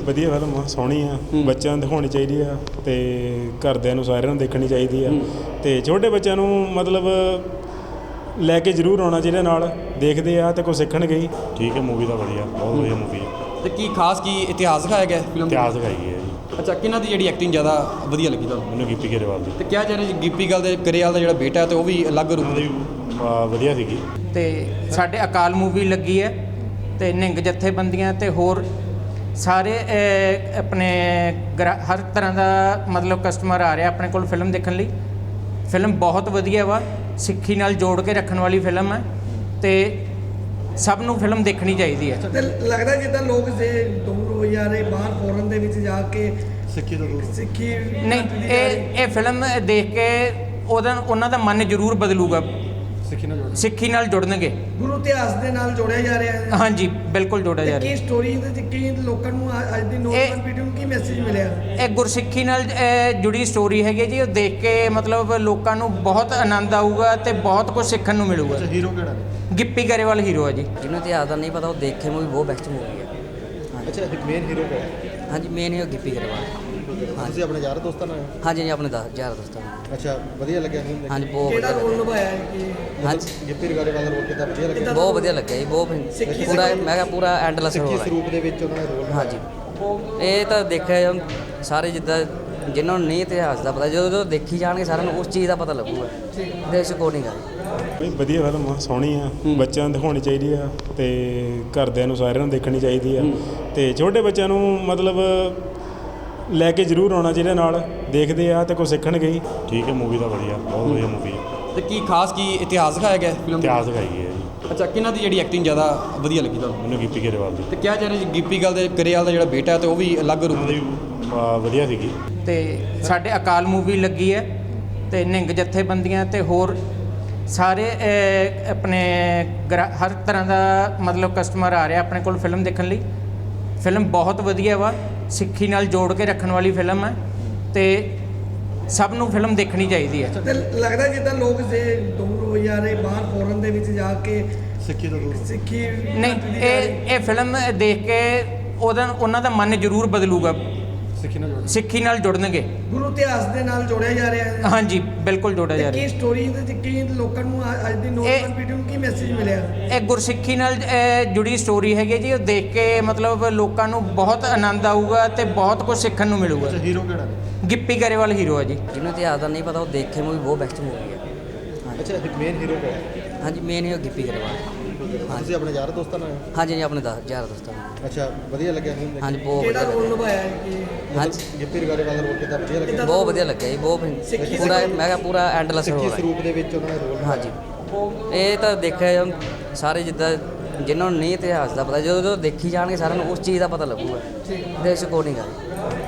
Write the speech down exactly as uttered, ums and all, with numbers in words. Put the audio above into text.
ਵਧੀਆ ਫਿਲਮ ਆ, ਸੋਹਣੀ ਆ, ਬੱਚਿਆਂ ਨੂੰ ਦਿਖਾਉਣੀ ਚਾਹੀਦੀ ਆ ਤੇ ਘਰਦਿਆਂ ਨੂੰ ਸਾਰਿਆਂ ਨੂੰ ਦੇਖਣੀ ਚਾਹੀਦੀ ਆ ਤੇ ਛੋਟੇ ਬੱਚਿਆਂ ਨੂੰ ਮਤਲਬ ਲੈ ਕੇ ਜ਼ਰੂਰ ਆਉਣਾ ਚਾਹੀਦਾ, ਨਾਲ ਦੇਖਦੇ ਆ ਤੇ ਕੁਝ ਸਿੱਖਣਗੇ ਹੀ। ਠੀਕ ਹੈ, ਮੂਵੀ ਤਾਂ ਵਧੀਆ, ਬਹੁਤ ਵਧੀਆ ਮੂਵੀ ਹੈ। ਤੇ ਕੀ ਖਾਸ ਕੀ ਇਤਿਹਾਸ ਦਿਖਾਇਆ ਗਿਆ ਫਿਲਮ? ਇਤਿਹਾਸ ਦਿਖਾਈ ਹੈ ਜੀ। ਅੱਛਾ, ਕਿਹਨਾਂ ਦੀ ਜਿਹੜੀ ਐਕਟਿੰਗ ਜ਼ਿਆਦਾ ਵਧੀਆ ਲੱਗੀ ਤੁਹਾਨੂੰ? ਮੈਨੂੰ ਗਿੱਪੀ ਗਰੇਵਾਲ ਦੀ। ਤੇ ਕਿਹਾ ਜਾ ਰਿਹਾ ਜੀ ਗਿੱਪੀ ਗੱਲ ਦੇ ਗਰੇਵਾਲ ਦਾ ਜਿਹੜਾ ਬੇਟਾ ਤੇ ਉਹ ਵੀ ਅਲੱਗ ਰੂਪ ਉਹਦੀ ਅਹ, ਵਧੀਆ ਸੀਗੀ। ਤੇ ਸਾਡੇ ਅਕਾਲ ਮੂਵੀ ਲੱਗੀ ਹੈ ਤੇ ਨਿੰਗ ਜਥੇਬੰਦੀਆਂ ਤੇ ਹੋਰ ਸਾਰੇ ਅਹ, ਆਪਣੇ ਗਰਾ- ਹਰ ਤਰ੍ਹਾਂ ਦਾ ਮਤਲਬ ਕਸਟਮਰ ਆ ਰਿਹਾ ਆਪਣੇ ਕੋਲ ਫਿਲਮ ਦੇਖਣ ਲਈ। ਫਿਲਮ ਬਹੁਤ ਵਧੀਆ ਵਾ, ਸਿੱਖੀ ਨਾਲ ਜੋੜ ਕੇ ਰੱਖਣ ਵਾਲੀ ਫਿਲਮ ਹੈ ਤੇ ਸਭ ਨੂੰ ਫਿਲਮ ਦੇਖਣੀ ਚਾਹੀਦੀ ਹੈ। ਤੇ ਲੱਗਦਾ ਜਿੱਦਾਂ ਲੋਕ ਜੇ ਦੂਰ ਹੋ ਜਾ ਰਹੇ ਬਾਹਰ ਫੋਰਨ ਦੇ ਵਿੱਚ ਜਾ ਕੇ ਸਿੱਖੀ ਤੋਂ ਦੂਰ ਸਿੱਖੀ ਨਹੀਂ, ਇਹ ਇਹ ਫਿਲਮ ਦੇਖ ਕੇ ਉਹਦਾ ਉਹਨਾਂ ਦਾ ਮਨ ਜ਼ਰੂਰ ਬਦਲੂਗਾ, ਸਿੱਖੀ ਨਾਲ ਸਿੱਖੀ ਨਾਲ ਜੁੜਨਗੇ। ਗੁਰੂ ਇਤਿਹਾਸ ਦੇ ਨਾਲ ਜੋੜਿਆ ਜਾ ਰਿਹਾ ਹੈ। ਹਾਂਜੀ, ਬਿਲਕੁਲ ਜੋੜਿਆ ਜਾ ਕੀ ਰਿਹਾ। ਸਟੋਰੀ ਦੇ ਵਿੱਚ ਕੀ ਲੋਕਾਂ ਨੂੰ ਅ- ਅੱਜ ਦੀ ਨੌਜਵਾਨ ਪੀੜ੍ਹੀ ਨੂੰ ਕੀ ਮੈਸੇਜ ਮਿਲਿਆ? ਇਹ ਗੁਰਸਿੱਖੀ ਨਾਲ ਅਹ, ਜੁੜੀ ਸਟੋਰੀ ਹੈਗੀ ਜੀ। ਉਹ ਦੇਖ ਕੇ ਮਤਲਬ ਲੋਕਾਂ ਨੂੰ ਬਹੁਤ ਆਨੰਦ ਆਊਗਾ ਤੇ ਬਹੁਤ ਕੁਝ ਸਿੱਖਣ ਨੂੰ ਮਿਲੂਗਾ। ਹੀਰੋ ਕਿਹੜਾ? ਗਿੱਪੀ ਗਰੇਵਾਲ ਹੀਰੋ ਹੈ ਜੀ। ਜਿਹਨੂੰ ਇਤਿਹਾਸ ਦਾ ਨਹੀਂ ਪਤਾ ਉਹ ਦੇਖੇ ਮੂਵੀ ਬਹੁਤ ਬੈਸਟ ਮੂਵੀ ਹੈ। ਅੱਛਾ, ਮੇਨ ਹੀਰੋ ਕਿਹੜਾ? ਹਾਂਜੀ, ਮੇਨ ਹੀਰੋ ਗਿੱਪੀ ਗਰੇਵਾਲ। ਤੁਸੀਂ ਆਪਣੇ ਯਾਰ ਦੋਸਤਾਂ ਨਾਲ? ਹਾਂਜੀ ਜੀ, ਆਪਣੇ ਦਸ ਯਾਰ ਦੋਸਤਾਂ ਨਾਲ। ਅੱਛਾ, ਵਧੀਆ ਲੱਗਿਆ? ਹਾਂਜੀ, ਬਹੁਤ ਕਿਹੜਾ ਵਧੀਆ ਰੋਲ ਲੱਗਿਆ। ਨਿਭਾਇਆ ਹੈ ਕਿ ਹਾਂਜੀ, ਗਿੱਪੀ ਗਰੇਵਾਲ ਦਾ ਰੋਲ ਕਿੱਦਾਂ ਵਧੀਆ ਲੱਗਿਆ? ਬਹੁਤ ਵਧੀਆ ਲੱਗਿਆ ਜੀ, ਬਹੁਤ ਸਿੱਖੀ ਪੂਰਾ ਸਿੱਖੀ- ਮੈਂ ਕਿਹਾ ਪੂਰਾ ਐਂਡਲੈਸ ਰੋਲ ਹੈ। ਸਰੂਪ ਦੇ ਵਿੱਚ ਉਹਨਾਂ ਦਾ ਰੋਲ? ਹਾਂਜੀ, ਇਹ ਤਾਂ ਦੇਖਿਆ ਜਾਊ ਸਾਰੇ, ਜਿੱਦਾਂ ਜਿਨ੍ਹਾਂ ਨੂੰ ਨਹੀਂ ਇਤਿਹਾਸ ਦਾ ਪਤਾ, ਜਦੋਂ ਜਦੋਂ ਦੇਖੀ ਜਾਣਗੇ ਸਾਰਿਆਂ ਨੂੰ ਉਸ ਚੀਜ਼ ਦਾ ਪਤਾ ਲੱਗੂਗਾ। ਦੇਸ਼ ਅਕੋਰਡਿੰਗ ਆ ਬਈ ਵਧੀਆ ਫਿਲਮ ਆ, ਸੋਹਣੀ ਆ, ਬੱਚਿਆਂ ਨੂੰ ਦਿਖਾਉਣੀ ਚਾਹੀਦੀ ਆ ਤੇ ਘਰਦਿਆਂ ਨੂੰ ਸਾਰਿਆਂ ਨੂੰ ਦੇਖਣੀ ਚਾਹੀਦੀ ਆ ਤੇ ਛੋਟੇ ਬੱਚਿਆਂ ਨੂੰ ਮਤਲਬ ਲੈ ਕੇ ਜ਼ਰੂਰ ਆਉਣਾ ਚਾਹੀਦਾ, ਨਾਲ ਦੇਖਦੇ ਆ ਤੇ ਕੁਝ ਸਿੱਖਣਗੇ ਹੀ। ਠੀਕ ਹੈ, ਮੂਵੀ ਤਾਂ ਵਧੀਆ, ਬਹੁਤ ਵਧੀਆ ਮੂਵੀ ਹੈ। ਤੇ ਕੀ ਖਾਸ ਕੀ ਇਤਿਹਾਸ ਦਿਖਾਇਆ ਗਿਆ ਫਿਲਮ? ਇਤਿਹਾਸ ਦਿਖਾਈ ਹੈ ਜੀ। ਅੱਛਾ, ਕਿਹਨਾਂ ਦੀ ਜਿਹੜੀ ਐਕਟਿੰਗ ਜ਼ਿਆਦਾ ਵਧੀਆ ਲੱਗੀ ਤੁਹਾਨੂੰ? ਮੈਨੂੰ ਗਿੱਪੀ ਗਰੇਵਾਲ ਦੀ। ਤੇ ਕਿਹਾ ਜਾ ਰਿਹਾ ਜੀ ਗਿੱਪੀ ਗੱਲ ਦੇ ਗਰੇਵਾਲ ਦਾ ਜਿਹੜਾ ਬੇਟਾ ਤੇ ਉਹ ਵੀ ਅਲੱਗ ਰੂਪ ਉਹਦੀ ਅਹ, ਵਧੀਆ ਸੀਗੀ। ਤੇ ਸਾਡੇ ਅਕਾਲ ਮੂਵੀ ਲੱਗੀ ਹੈ ਤੇ ਨਿੰਗ ਜਥੇਬੰਦੀਆਂ ਤੇ ਹੋਰ ਸਾਰੇ ਅਹ, ਆਪਣੇ ਗਰਾ- ਹਰ ਤਰ੍ਹਾਂ ਦਾ ਮਤਲਬ ਕਸਟਮਰ ਆ ਰਿਹਾ ਆਪਣੇ ਕੋਲ ਫਿਲਮ ਦੇਖਣ ਲਈ। ਫਿਲਮ ਬਹੁਤ ਵਧੀਆ ਵਾ, ਸਿੱਖੀ ਨਾਲ ਜੋੜ ਕੇ ਰੱਖਣ ਵਾਲੀ ਫਿਲਮ ਹੈ ਤੇ ਸਭ ਨੂੰ ਫਿਲਮ ਦੇਖਣੀ ਚਾਹੀਦੀ ਹੈ। ਤੇ ਲੱਗਦਾ ਜਿੱਦਾਂ ਲੋਕ ਜੇ ਦੂਰ ਹੋ ਜਾ ਰਹੇ ਬਾਹਰ ਫੋਰਨ ਦੇ ਵਿੱਚ ਜਾ ਕੇ ਸਿੱਖੀ ਤੋਂ ਦੂਰ? ਸਿੱਖੀ ਨਹੀਂ, ਇਹ ਇਹ ਫਿਲਮ ਦੇਖ ਕੇ ਉਹਦਾ ਉਹਨਾਂ ਦਾ ਮਨ ਜ਼ਰੂਰ ਬਦਲੂਗਾ, ਸਿੱਖੀ ਨਾਲ ਸਿੱਖੀ ਨਾਲ ਜੁੜਨਗੇ। ਗੁਰੂ ਇਤਿਹਾਸ ਦੇ ਨਾਲ ਜੋੜਿਆ ਜਾ ਰਿਹਾ ਹੈ। ਹਾਂਜੀ, ਬਿਲਕੁਲ ਜੋੜਿਆ ਜਾ ਤੇ ਕੀ ਰਿਹਾ। ਸਟੋਰੀ ਦੇ ਵਿੱਚ ਕੀ ਲੋਕਾਂ ਨੂੰ ਅ- ਅੱਜ ਦੀ ਨੌਜਵਾਨ ਪੀੜ੍ਹੀ ਨੂੰ ਕੀ ਮੈਸੇਜ ਮਿਲਿਆ? ਇਹ ਗੁਰਸਿੱਖੀ ਨਾਲ ਅਹ, ਜੁੜੀ ਸਟੋਰੀ ਹੈਗੀ ਜੀ। ਉਹ ਦੇਖ ਕੇ ਮਤਲਬ ਲੋਕਾਂ ਨੂੰ ਬਹੁਤ ਆਨੰਦ ਆਊਗਾ ਤੇ ਬਹੁਤ ਕੁਝ ਸਿੱਖਣ ਨੂੰ ਮਿਲੂਗਾ। ਹੀਰੋ ਕਿਹੜਾ? ਗਿੱਪੀ ਗਰੇਵਾਲ ਹੀਰੋ ਹੈ ਜੀ। ਜਿਹਨੂੰ ਇਤਿਹਾਸ ਦਾ ਨਹੀਂ ਪਤਾ ਉਹ ਦੇਖੇ ਮੂਵੀ ਬਹੁਤ ਬੈਸਟ ਮੂਵੀ ਹੈ। ਅੱਛਾ, ਮੇਨ ਹੀਰੋ ਕਿਹੜਾ? ਹਾਂਜੀ, ਮੇਨ ਹੀਰੋ ਗਿੱਪੀ ਗਰੇਵਾਲ। ਤੁਸੀਂ ਆਪਣੇ ਯਾਰ ਦੋਸਤਾਂ ਨਾਲ? ਹਾਂਜੀ ਜੀ, ਆਪਣੇ ਦਸ ਯਾਰ ਦੋਸਤਾਂ ਨਾਲ। ਅੱਛਾ, ਵਧੀਆ ਲੱਗਿਆ? ਹਾਂਜੀ, ਬਹੁਤ ਕਿਹੜਾ ਵਧੀਆ ਰੋਲ ਲੱਗਿਆ। ਨਿਭਾਇਆ ਹੈ ਕਿ ਹਾਂਜੀ, ਗਿੱਪੀ ਗਰੇਵਾਲ ਦਾ ਰੋਲ ਕਿੱਦਾਂ ਵਧੀਆ ਲੱਗਿਆ? ਬਹੁਤ ਵਧੀਆ ਲੱਗਿਆ ਜੀ, ਬਹੁਤ ਸਿੱਖੀ ਪੂਰਾ ਸਿੱਖੀ- ਮੈਂ ਕਿਹਾ ਪੂਰਾ ਐਂਡਲੈਸ ਰੋਲ ਹੈ। ਸਰੂਪ ਦੇ ਵਿੱਚ ਉਹਨਾਂ ਦਾ ਰੋਲ? ਹਾਂਜੀ, ਇਹ ਤਾਂ ਦੇਖਿਆ ਜਾਊ ਸਾਰੇ, ਜਿੱਦਾਂ ਜਿਨ੍ਹਾਂ ਨੂੰ ਨਹੀਂ ਇਤਿਹਾਸ ਦਾ ਪਤਾ, ਜਦੋਂ ਜਦੋਂ ਦੇਖੀ ਜਾਣਗੇ ਸਾਰਿਆਂ ਨੂੰ ਉਸ ਚੀਜ਼ ਦਾ ਪਤਾ ਲੱਗੂਗਾ। ਦੇਸ਼ ਅਕੋਰਡਿੰਗ ਆ